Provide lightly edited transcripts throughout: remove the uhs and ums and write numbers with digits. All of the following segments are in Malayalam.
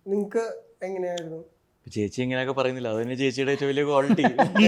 നിങ്ങക്ക് എങ്ങനെയായിരുന്നു? ചേച്ചി ഇങ്ങനെയൊക്കെ പറയുന്നില്ല, അത് തന്നെ ചേച്ചിയുടെ ഏറ്റവും വലിയ ക്വാളിറ്റി.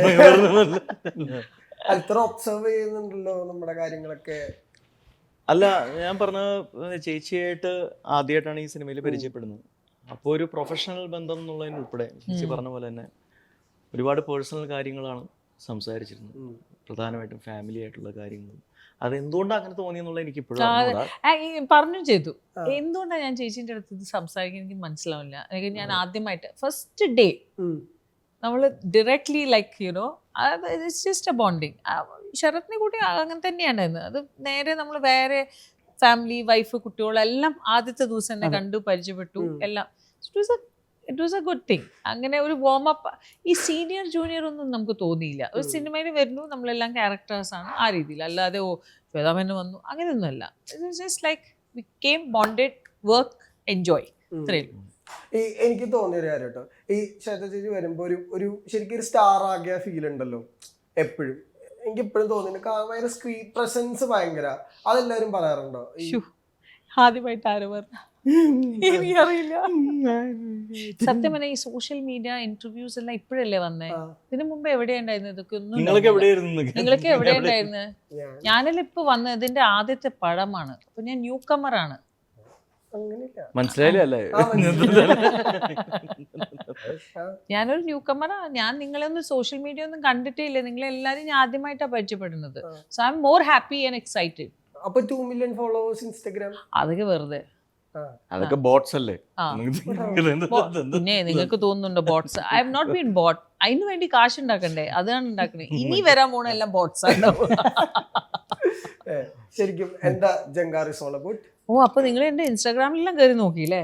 അത്ര ഒബ്സർവ് ചെയ്യുന്നുണ്ടല്ലോ നമ്മുടെ കാര്യങ്ങളൊക്കെ. അല്ല, ഞാൻ പറഞ്ഞ ചേച്ചിയായിട്ട് ആദ്യമായിട്ടാണ് ഈ സിനിമയിൽ പരിചയപ്പെടുന്നത്. അപ്പോൾ ഒരു പ്രൊഫഷണൽ ബന്ധം എന്നുള്ളതിനുൾപ്പെടെ ചേച്ചി പറഞ്ഞ പോലെ തന്നെ ഒരുപാട് പേഴ്സണൽ കാര്യങ്ങളാണ് സംസാരിച്ചിരുന്നത്, പ്രധാനമായിട്ടും ഫാമിലി ആയിട്ടുള്ള കാര്യങ്ങളും. അതെന്തുകൊണ്ടാണ് അങ്ങനെ തോന്നിയെന്നുള്ള എനിക്ക് ഇപ്പോഴും പറഞ്ഞു ചെയ്തു. എന്തുകൊണ്ടാണ് ഞാൻ ചേച്ചീൻ്റെ അടുത്ത് ഇത് സംസാരിക്കാൻ എനിക്ക് മനസ്സിലാവില്ല. ഞാൻ ആദ്യമായിട്ട് ഫസ്റ്റ് ഡേ നമ്മൾ directly like you know it's just a bonding. ശരത്തിനെ കൂട്ടി അങ്ങനെ തന്നെയാണ്. അത് നേരെ നമ്മൾ വേറെ ഫാമിലി വൈഫ് കുട്ടികളെല്ലാം ആദ്യത്തെ ദിവസം തന്നെ കണ്ടു പരിചയപ്പെട്ടു എല്ലാം. It was a good thing. അങ്ങനെ ഒരു വാം അപ്പ്. ഈ സീനിയർ ജൂനിയർ ഒന്നും നമുക്ക് തോന്നിയില്ല. ഒരു സിനിമയിൽ വരുന്നു, നമ്മളെല്ലാം ക്യാരക്ടേഴ്സാണ് ആ രീതിയിൽ. അല്ലാതെ ശ്വേതാമേനോൻ വന്നു അങ്ങനെയൊന്നുമല്ല. It was just like we came bonded work enjoy. ഇത്രയും എനിക്ക് തോന്നിയൊരു കാര്യം കേട്ടോ, ഈ ശ്വേത ചേച്ചി വരുമ്പോൾ ഒരു ശരിക്കും ഒരു സ്റ്റാർ ആകിയ ഫീൽ ഉണ്ടല്ലോ എപ്പോഴും. എനിക്ക് എപ്പോഴും തോന്നുന്നുണ്ട് ഭയങ്കര സ്ക്രീൻ പ്രസൻസ് ഭയങ്കര. അതെല്ലാവരും പറയാറുണ്ടോ? ആദ്യമായിട്ട് ആരോ പറഞ്ഞു, എനിക്കറിയില്ല. സത്യം പറഞ്ഞാൽ ഈ സോഷ്യൽ മീഡിയ ഇന്റർവ്യൂസ് എല്ലാം ഇപ്പോഴല്ലേ വന്നേ. ഇതിനു മുമ്പ് എവിടെയുണ്ടായിരുന്നു ഇതൊക്കെ? ഒന്നും നിങ്ങൾക്ക് എവിടെയുണ്ടായിരുന്നു? ഞാനെല്ലാം ഇപ്പൊ വന്നത് ഇതിന്റെ ആദ്യത്തെ പടമാണ്. അപ്പൊ ഞാൻ ന്യൂ കമറാണ്. മനസ്സിലായില്ലേ? ഞാനൊരു ന്യൂ കമറാ. ഞാൻ നിങ്ങളൊന്നും സോഷ്യൽ മീഡിയ ഒന്നും കണ്ടിട്ടേ ഇല്ല. നിങ്ങളെല്ലാരും ഞാൻ ആദ്യമായിട്ടാണ് പരിചയപ്പെടുന്നത്. So I am more happy and excited. അപ്പൊ 2 million followers ഇൻസ്റ്റാഗ്രാം അതൊക്കെ വെറുതെ, അതൊക്കെ ബോട്ട്സ് അല്ലേ? പിന്നെ നിങ്ങൾക്ക് തോന്നുന്നുണ്ടോ bots? I have not been bought. അതിന് വേണ്ടി കാശ് ഉണ്ടാക്കണ്ടേ? അതാണ് ഉണ്ടാക്കണേ. ഇനി വരാൻ പോണ എല്ലാം ബോട്ട്സ് ആണ്. ശരിക്കും എന്താ ജങ്കാർ ഈസ് ഓൾ അബൌട്ട്? ഓ, അപ്പൊ നിങ്ങൾ എന്റെ ഇൻസ്റ്റാഗ്രാമിലെല്ലാം കയറി നോക്കിയില്ലേ?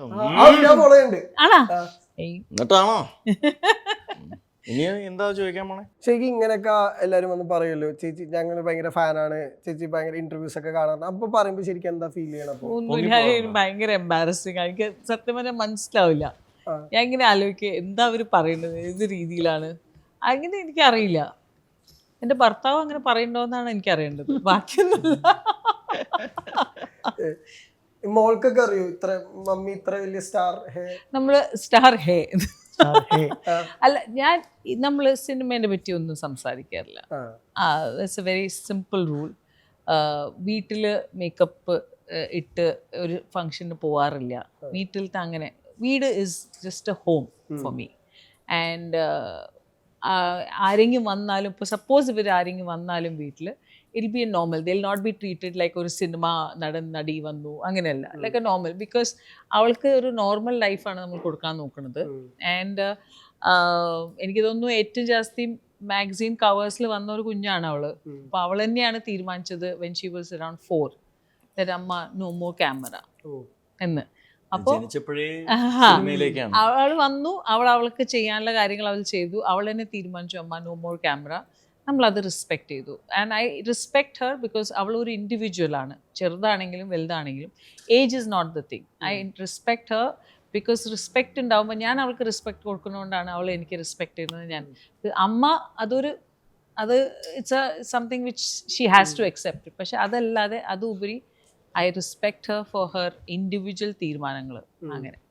ആണോ? എന്നിട്ടാണോ ഇനി എന്താ ചോദിക്കാൻ പോണേ? ശരിക്കും ഇങ്ങനെയൊക്കെ എല്ലാരും വന്ന് പറയുമല്ലോ, ചേച്ചി ഞങ്ങൾ ഭയങ്കര ഫാനാണ്, ചേച്ചി ഭയങ്കര ഇന്റർവ്യൂസ് ഒക്കെ കാണാറുണ്ട്. അപ്പൊ പറയുമ്പോ ശരിക്കും എന്താ ഫീൽ ചെയ്യണം? ഭയങ്കര എംബാരസിങ്. എനിക്ക് സത്യം പറഞ്ഞാൽ മനസ്സിലാവില്ല. ഞാൻ ഇങ്ങനെ ആലോചിക്കുക എന്താ അവര് പറയുന്നത്, ഏത് രീതിയിലാണ് അങ്ങനെ എനിക്കറിയില്ല. എന്റെ ഭർത്താവ് അങ്ങനെ പറയണ്ടോന്നാണ് എനിക്കറിയേണ്ടത്, ബാക്കിയൊന്നുമില്ല. മോൾക്കൊക്കെ അറിയോ ഇത്ര മമ്മി ഇത്ര വലിയ സ്റ്റാർ ഹേ? നമ്മള് സ്റ്റാർ ഹേ അല്ല, ഞാൻ നമ്മൾ സിനിമേനെ പറ്റി ഒന്നും സംസാരിക്കാറില്ല. That's a very simple rule. വീട്ടിൽ മേക്കപ്പ് ഇട്ട് ഒരു ഫങ്ഷന് പോവാറില്ല. വീട്ടിലത്തെ അങ്ങനെ വീട് is just a home for me. And ആരെങ്കിലും വന്നാലും, ഇപ്പോൾ സപ്പോസ് ഇവർ ആരെങ്കിലും വന്നാലും വീട്ടിൽ it be a normal. They will not be treated like ഒരു സിനിമ നടി വന്നു, അങ്ങനെയല്ല. Like A normal. ബിക്കോസ് അവൾക്ക് ഒരു നോർമൽ ലൈഫാണ് നമ്മൾ കൊടുക്കാൻ നോക്കുന്നത്. ആൻഡ് എനിക്ക് തോന്നുന്നു ഏറ്റവും ജാസ്തി മാഗസീൻ കവേഴ്സിൽ വന്ന ഒരു കുഞ്ഞാണ് അവള്. അപ്പോൾ അവൾ തന്നെയാണ് തീരുമാനിച്ചത് when she was around 4 that അമ്മ നോ മോർ ക്യാമറ എന്ന്. അപ്പോൾ അവൾ വന്നു, അവൾക്ക് ചെയ്യാനുള്ള കാര്യങ്ങൾ അവൾ ചെയ്തു. അവൾ തന്നെ തീരുമാനിച്ചു അമ്മ നോ മോർ ക്യാമറ. നമ്മളത് റെസ്പെക്ട് ചെയ്തു. And I respect her because അവൾ ഒരു ഇൻഡിവിജ്വലാണ്. ചെറുതാണെങ്കിലും വലുതാണെങ്കിലും age is not the thing. I respect her because respect ഉണ്ടാകുമ്പോൾ ഞാൻ അവൾക്ക് റെസ്പെക്ട് കൊടുക്കുന്നതുകൊണ്ടാണ് അവൾ എനിക്ക് റെസ്പെക്ട് ചെയ്യുന്നത്. ഞാൻ അമ്മ അത് it's a something which she has to accept. പക്ഷെ അതല്ലാതെ അതുപരി I respect her for her individual തീരുമാനങ്ങൾ. അങ്ങനെ